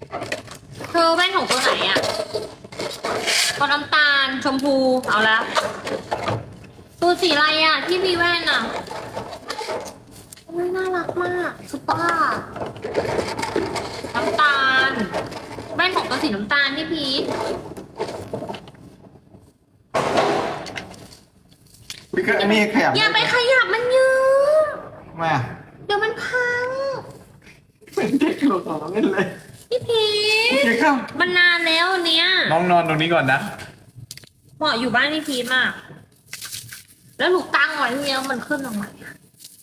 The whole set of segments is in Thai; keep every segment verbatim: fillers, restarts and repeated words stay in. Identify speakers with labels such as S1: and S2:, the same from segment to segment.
S1: เธอแว่นของตัวไหนอ่ะตัวน้ำตาลชมพูเอาละตัวสีอะไรอ่ะที่มีแว่นอ่ะโอ้ยน่ารักมากซุปเปอร์น้ำตาลแว่นของตัวสีน้ำตาลที่พีท
S2: พี่ก็อันนี้ขยับ
S1: อย่าไปขยับมันเยอะ
S2: มา
S1: เดี๋ยวมันพัง
S2: เป็นเด็กหลุดออกมาเล่นเลย
S1: พี่พี
S2: โอเค
S1: ท
S2: ครับ
S1: มันนานแล้วอันเนี้ย
S2: น้องนอนตรงนี้ก่อนนะ
S1: เหมาะอยู่บ้านพี่พีทมาก แล้วหนูตั้งไว้ที่เนี้ยมันขึ้นมาใหม่อะ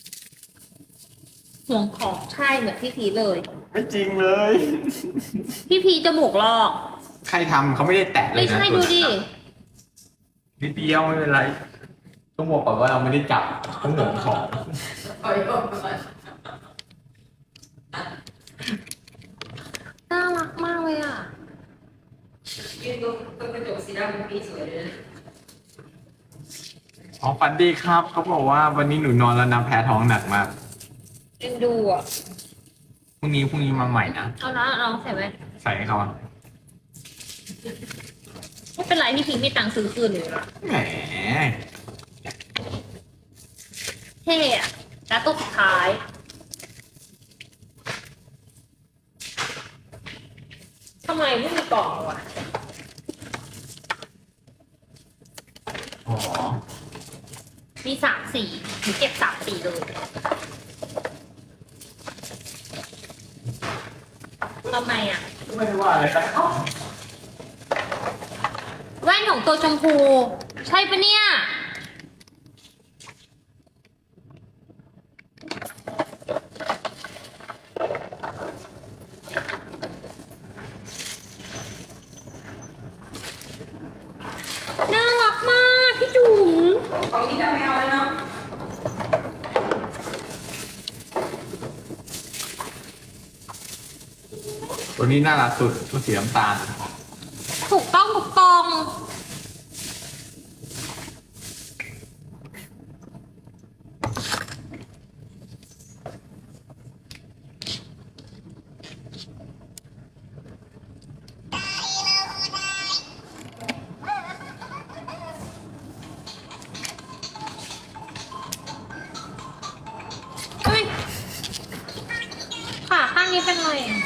S1: ห่วงของใช่เหมือนพี่พีทเลย
S2: ไม่จริงเลย
S1: พี่พีทจมูกลอก
S2: ใครทำเขาไม่ได้แตะเลย
S1: ไม่
S2: นะ
S1: ใช่ดูดิ
S2: นิดเดียวไม่เป็นไรต้องบอกก่อนว่าเราไม่ได้จับต้องหนของ
S1: น่ารักมากเลยอ่ะ
S3: ยืนตรงตรงกระจกสีดำเป็นปีสวยเลยนะ
S2: อ๋อฝันดีครับเขาบอกว่าวันนี้หนูนอนแล้วนะแพ้ท้องหนักมาก
S1: เอ็นดูอ่ะ
S2: พรุ่งนี้พรุ่งนี้มาใหม่นะ
S1: เอานะลองใส่ไว้
S2: ใส่ให้เขาอะ
S1: ไม่เป็นไรพี่พีทมีตังค์ซื้อคืนเลย
S2: แหม
S1: เท่อะแล้วตัวสุดท้าย ทำไมไม่มีกล่องวะ
S2: อ๋อ
S1: มีสามสีหนูเก็บสามสีเลยทำไมอ่ะ
S2: ไม่ได้ว่าอะไรครับ
S1: แว่นของตัวชมพู ใช่ปะเนี่ย น่ารักมากพี่จุ๋ม
S3: ของนี้จะไม่เอาแล้วเนาะ
S2: ตัวนี้น่ารักสุดตัวสีน้ำตาล
S1: ถูกต้องถูกต้องเฮ้ยขาข้างนี้เป็นไรอ่ะ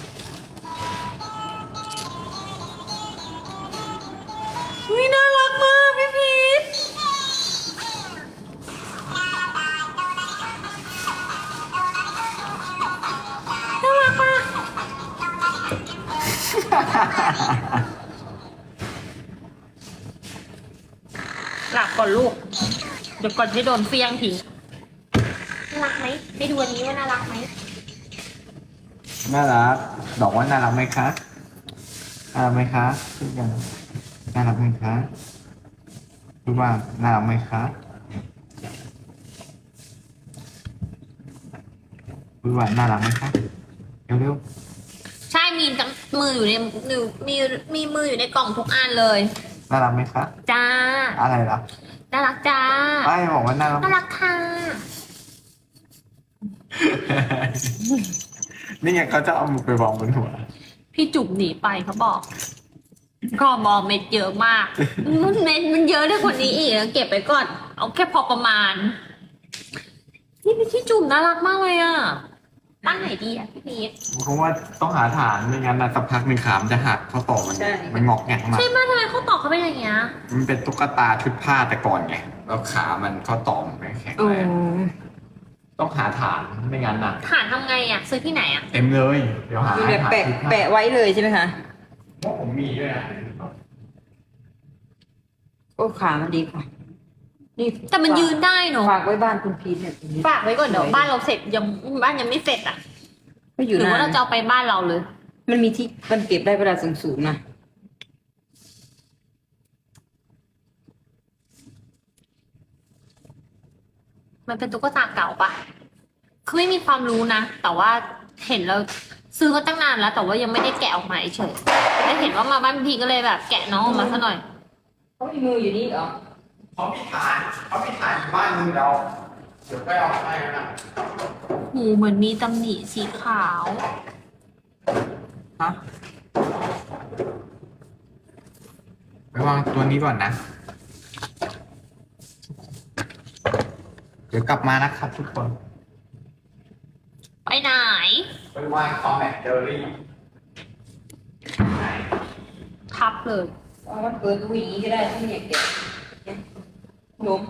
S1: อุ๊ยน่ารักมากพี่พีทน่ารักมากหลับก่อนลูก เดี๋ยวก่อนที่โดนเฟียงทิ้งน่ารักไหมไปดูอันนี้ว่าน่ารักไหม
S2: น่ารักบอกว่าน่ารักไหมคะน่ารักไหมคะพูดยังน่ารักไหมคะพูดว่าน่ารักไหมคะพูดว่าน่ารักไหมคะเร็ว
S1: ใช่มีทั้งมืออยู่ในมือมีมีมืออยู่ในกล่องทุกอันเลย
S2: ๆน่ารักไหมคะ
S1: จ้า
S2: อะไรล่ะ
S1: น่ารักจ้า
S2: ไอ้บอกว่าน่ารัก
S1: น่ารักค่ะ
S2: นี่ไงเขาจะเอามือไปวางบนหัว
S1: พี่จุ๋มหนีไปเขาบอกก็มองเม็ดเยอะมากมันเม็ดมันเยอะได้กว่านี้อีกเก็บไปก่อน เอาแค่พอประมาณนี่พี่จุ๋มน่ารักมากเลยอ่ะตั้งไหนดีอ่ะพี่พีท
S2: เพราะว่าต้องหาฐานไม่งั้นนะสักพักหนึ่งขามนจะหักข้อต่อมันมันงอกแงกมา
S1: ใช่ไหมทำไมเขาตอบเขาเป็นอย่างเงี้ย
S2: มันเป็นตุ๊กตาชุดผ้าแต่ก่อนไงแล้วขามันข้อต่อมันไม่แข็งแรงต้องหาฐานไม่งั้นนะ
S1: ฐานทำไงอ่ะ ซื้อที่ไหนอ่ะ
S2: เต็มเลย เดี๋ยวหา
S3: มี
S2: ให้
S3: แบบ
S2: ฐาน
S3: แปะ
S2: ชุดผ้า
S3: แปะไว้เลยใช่ไหมคะ
S2: เพราะผมมีด้วยนะ
S3: โอ้ขามันดีค่ะ นี่
S1: แต่มันยืนได้เนอะ
S3: ฝากไว้บ้านคุณพีทเนี่ยตรงนี้
S1: ฝากไว้ก่อนเดี๋ยวบ้านเราเสร็จยังบ้านยังไม่เสร็จอ่ะ
S3: ไม่อ
S1: ห
S3: ยู่
S1: รือ
S3: นา
S1: ว่าเรา
S3: น
S1: จะเอาไปบ้านเราเลย
S3: มันมีที่มันเก็บได้เวลาสูงๆนะ
S1: มันเป็นตุ๊กตาเก่าปะคือไม่มีความรู้นะ แต่ว่าเห็นแล้วซื้อมาตั้งนานแล้ว แต่ว่ายังไม่ได้แกะออกมาเฉยได้เห็นว่ามาบ้านพี่ก็เลยแบบ แกะน้องออกมาซะหน่อย
S3: เขามีมืออยู่นี่เหรอ
S2: เขามีฐานเขามีฐานอยู่บ้านมึงเราเดี๋ยวไปเอาให้นะ
S1: หูเหมือนมีตำหนิสีขาว
S2: ฮะไปวางตัวนี้ก่อนนะ เดี๋ยวกลับมานะครับทุกคน
S1: ไปไหน
S2: ไปวางคอมแบทเดอรี่
S1: ทับเลย
S3: เอามันเปิดดูอย่างนี้ก็ได้ถ้าไม่อยากแกะเนี่ยหนุ่ม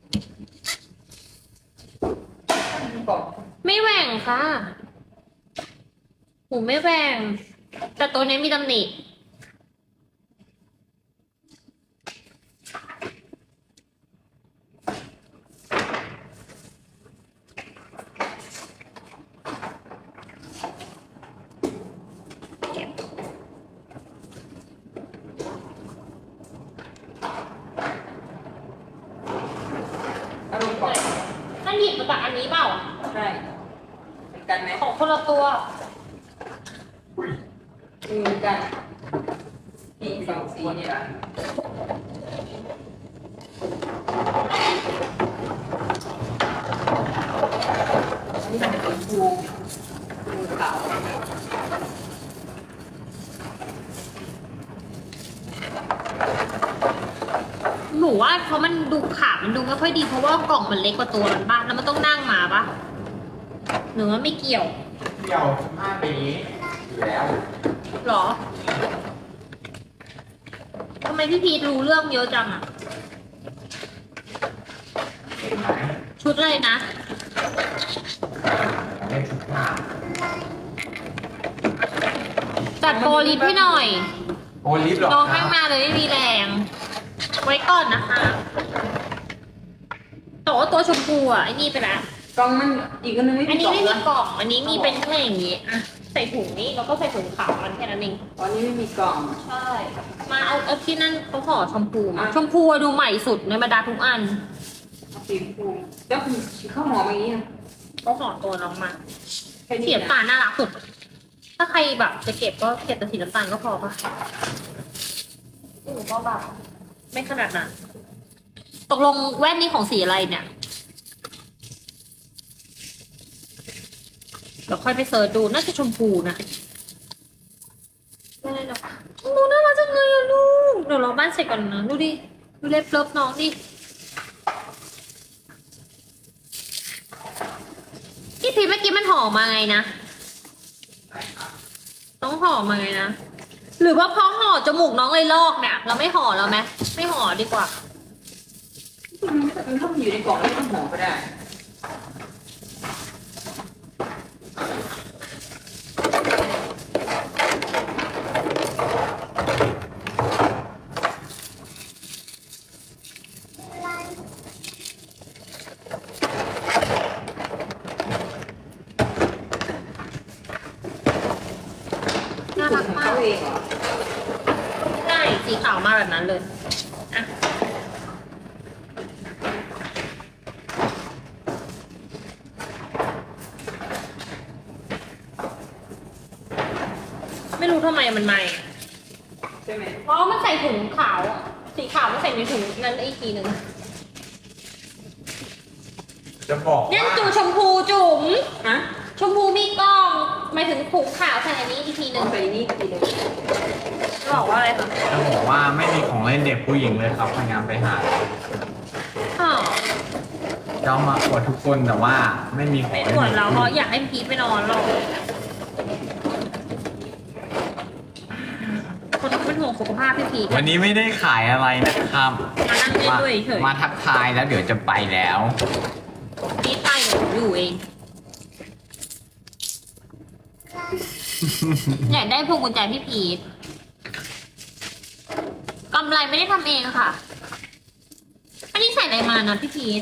S3: กล่อง
S1: ไม่แหว่งค่ะหูไม่แหว่ง แต่ตัวนี้มีตำหนิ
S3: เอาลงกล่อง
S1: นั่นหยิบมาจากอันนี้เปล่า
S3: ใช่เหมือนกันไหม
S1: ของคนละตัว
S3: เหมือนกันนี่สองสีเนี่ยอันนี้มันจะเป็นภูภูขาว
S1: หนูว่าเพราะมันดูขามันดูไม่ค่อยดีเพราะว่ากล่องมันเล็กกว่าตัวมันบ้างแล้วมันต้องนั่งมาปะหนูว่าไม่เกี่ยว
S2: เดี่ยวห้าปีอยู่แล้ว
S1: หรอทำไมพี่พีทรู้เรื่องเยอะจังอะ
S2: เห็นไหม
S1: ชุดเลยนะ
S2: เล่นชุดหน้า
S1: จัดโปรลิฟให้หน่อย
S2: โอลิฟหรอ
S1: น้อง
S2: ครั
S1: ข้าง
S2: บ
S1: หน้าเลยไม่มีแรง ไว้ก่อนนะคะแต่ว่าตัวชมพูอ่ะไอ้นี่ไปแล้ว
S3: กล่องมันอีกอันนึงไม่
S1: อัน
S3: มี
S1: นี้
S3: กล่อง
S1: ไม่มี
S3: นะ
S1: กล่อง อันนี้มีเป็นแค่อย่างนี้อะใส่ถุงนี้แล้วก็ใส่ถุงขาวมันแค่นั้นเอง
S3: ตอนนี้ไม่มีกล่อง
S1: ใช่ มาเอาเอาที่นั่นเขาห่อชมพูมา
S3: อ่ะ
S1: ชมพูอะดูใหม่สุดในบรรดาทุกอัน
S3: เอาสีชมพูแล้วคุณข้าวหอมอย่างนี้นะ
S1: เขาห่อตัวน้องมา
S3: แค่นี้
S1: สี
S3: นะ
S1: น้ำตาลน่ารักสุด ถ้าใครแบบจะเก็บก็เก็บแต่สีน้ำตาลก็พอปะหนูก็แบบไม่ขนาดนั้นตกลงแว่นนี้ของสีอะไรเนี่ย เดี๋ยวค่อยไปเสิร์ชดูน่าจะชมพูนะไม่ได้หรอกหนูน่ารักจังเลยอะลูก เดี๋ยวรอบ้านเสร็จก่อนนะดูดิ ดูเล็บเลิฟน้องดิพี่พีเมื่อกี้มันห่อมาไงนะ ต้องห่อมาไงนะ หรือว่าเพราะห่อจมูกน้องเลยลอกเนี่ย เราไม่ห่อแล้วไหมไม่ห่อดีกว่า
S3: มันถ้ามันอยู่ในกล่องไม่ต้องหอมก็ได้
S1: น่ารักมาก
S3: เขาเองเหรอ
S1: ใช่สีขาวมาแบบนั้นเลยอะไม่รู้ทำไมมันใหม่
S3: ใช่ไหม
S1: เพราะมันใส่ถุงขาวอะสีขาวมันใส่ในถุงนั้นอีกทีหนึ่ง
S2: จะบอก
S1: เนี่ย
S2: ว่า
S1: จุชมพูจุ๋ม
S3: ฮะ
S1: ชมพูมีกล้องหมายถึงถุงขาวใส่อันนี้อีกทีหนึ่ง
S3: เอาใส่นี่ทีเดียว
S1: บอกว่าอะไรคะ
S2: จะบอกว่าไม่มีของเล่นเด็กผู้หญิงเลยครับพยายามไปหา
S1: อ๋อ
S2: จะเอามาอวดทุกคนแต่ว่าไม่มีของ
S1: ไม่
S2: เล่น
S1: อวด
S2: ด็ก
S1: เราเพ
S2: ผู้
S1: ราะ
S2: หญิง
S1: อยากให้พีทไปนอนหรอกคนเป็นห่วงสุขภาพพี่พีท
S2: วันนี้ไม่ได้ขายอะไรนะครับ
S1: มานั่งเล่นด้วยเฉย
S2: มาทักทายแล้วเดี๋ยวจะไปแล้ว
S1: พีทไปหนูอยู่เอง อยากได้พวงกุญแจพี่พีทกำไรไม่ได้ทำเองค่ะ อันนี้ใส่อะไรมานะพี่พีท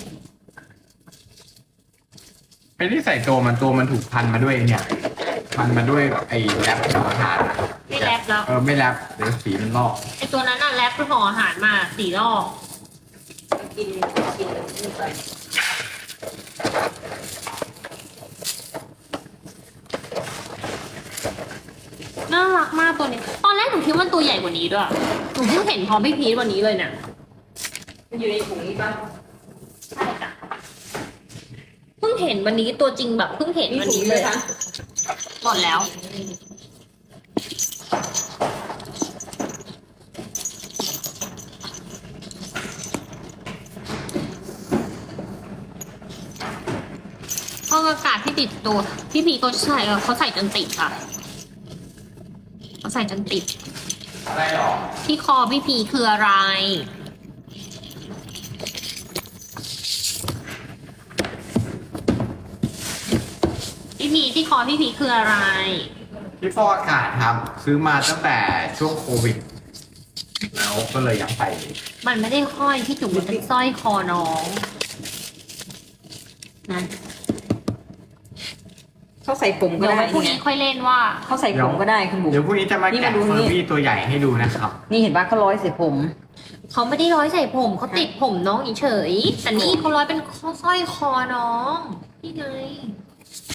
S2: ไม่ได้ใส่ตัวมันตัวมันถูกพันมาด้วยเนี่ย พันมาด้วยไอ้แรปของอาหารอะ
S1: ไม่แรปแล้ว
S2: เออไม่แรปเดี๋ยวสีมันลอก
S1: ไอตัวนั้นน่ะแรปห่ออาหารมาสี่รอบ
S3: กินกินนี่ไป
S1: น่ารักมากตัวนี้ ตอนแรกหนูคิดว่ามันตัวใหญ่กว่านี้ด้วย หนูเพิ่งเห็นพร้อมพี่พีทวันนี้เลยเนี่ย
S3: มันอยู่ในถุงนี้ป่ะ
S1: ใช่จ้ะเพิ่งเห็นวันนี้ตัวจริงแบบเพิ่งเห็น
S3: มี
S1: วัน
S3: ถุง
S1: นี้
S3: เล
S1: เลย ย
S3: คะ
S1: หมดแล้วอากาศที่ติดตัว พี่พีก็ใส่เออเขาใส่จนติดค่ะเขาใส่จนติด
S2: อะไรหรอ
S1: ที่คอพี่พีคืออะไร พี่พีที่คอพี่พีคืออะไร
S2: ที่ฟอกอากาศครับ ซื้อมาตั้งแต่ช่วงโควิด แล้วก็เลยอยากใส่
S1: มันไม่ได้ห้อยพี่จุ๋มมันเป็นสร้อยคอน้องนะ
S3: เขาใส่ผมก็
S1: เดี๋ยว
S3: ได้
S1: ไว้พรุ่งนี้
S3: เนี่ย
S1: ค่อยเล่นว่า
S3: เขาใส่ผมก็ได้คุณบุ๋ม
S2: เดี๋ยวพรุ่งนี้จะมา
S3: นี่
S2: แกะ
S3: มาดู
S2: เฟอ
S3: นี่
S2: ร์บี้ตัวใหญ่ให้ดูนะครับ
S3: นี่เห็นปะเขาร้อยใส่ผม
S1: เขาไม่ได้ร้อยใส่ผมเขาติดผมน้องเฉยๆแต่นี่เขาร้อยเป็นข้อสร้อยคอน้องนี่ไง